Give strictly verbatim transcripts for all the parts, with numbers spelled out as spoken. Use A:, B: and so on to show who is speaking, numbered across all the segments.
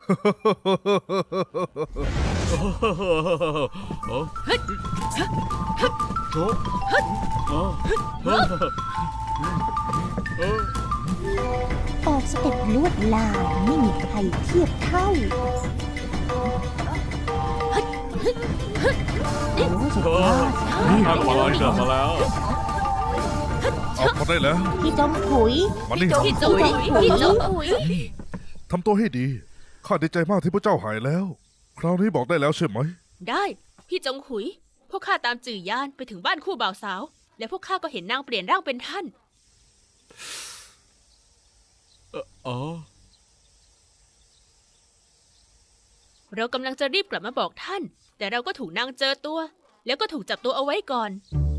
A: ออกสเต็ปลวดลายไม่มีใครเทียบเท่าโอ้สุดยอด
B: ทางมาลายเกิดมาแล้ว
C: เอาพอได้แล้ว
A: พี่จงขุย
C: มานี่
A: พี่จงขุยพี่จงขุย
C: ทำตัวให้ดีข้าดีใจมากที่พระเจ้าหายแล้ว คราวนี้บอกได้แล้วใช่ไหม
D: ได้พี่จงขุยพวกข้าตามจื่อยานไปถึงบ้านคู่บ่าวสาวและพวกข้าก็เห็นนางเปลี่ยนร่างเป็นท่าน
B: อ๋อ
D: เรากำลังจะรีบกลับมาบอกท่าน แต่เราก็ถูกนางเจอตัว แล้วก็ถูกจับตัวเอาไว้ก่อน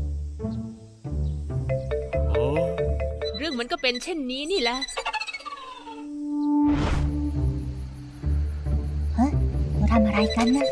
B: อ๋อ
D: เรื่องมันก็เป็นเช่นนี้นี่แหละ
A: ฮะเราทำอะไรกันนะ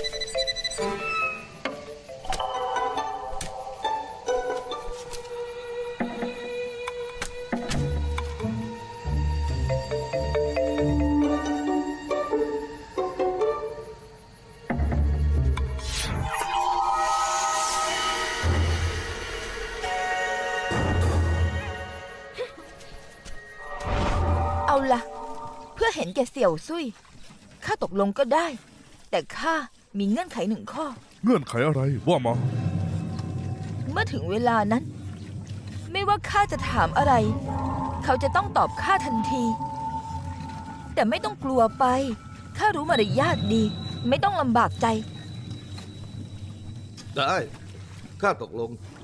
E: เอาล่ะเพื่อเห็นแก่เสี่ยวซุยข้าตกลงก็ได้ แต่ข้ามีเงื่อนไขหนึ่งข้อ
C: เงื่อนไขอะไรว่ามา
E: เมื่อถึงเวลานั้น ไม่ว่าข้าจะถามอะไร เขาจะต้องตอบข้าทันที แต่ไม่ต้องกลัวไปข้ารู้มารยาทดี ไม่ต้องลำบากใจ
F: ได้ข้าตกลง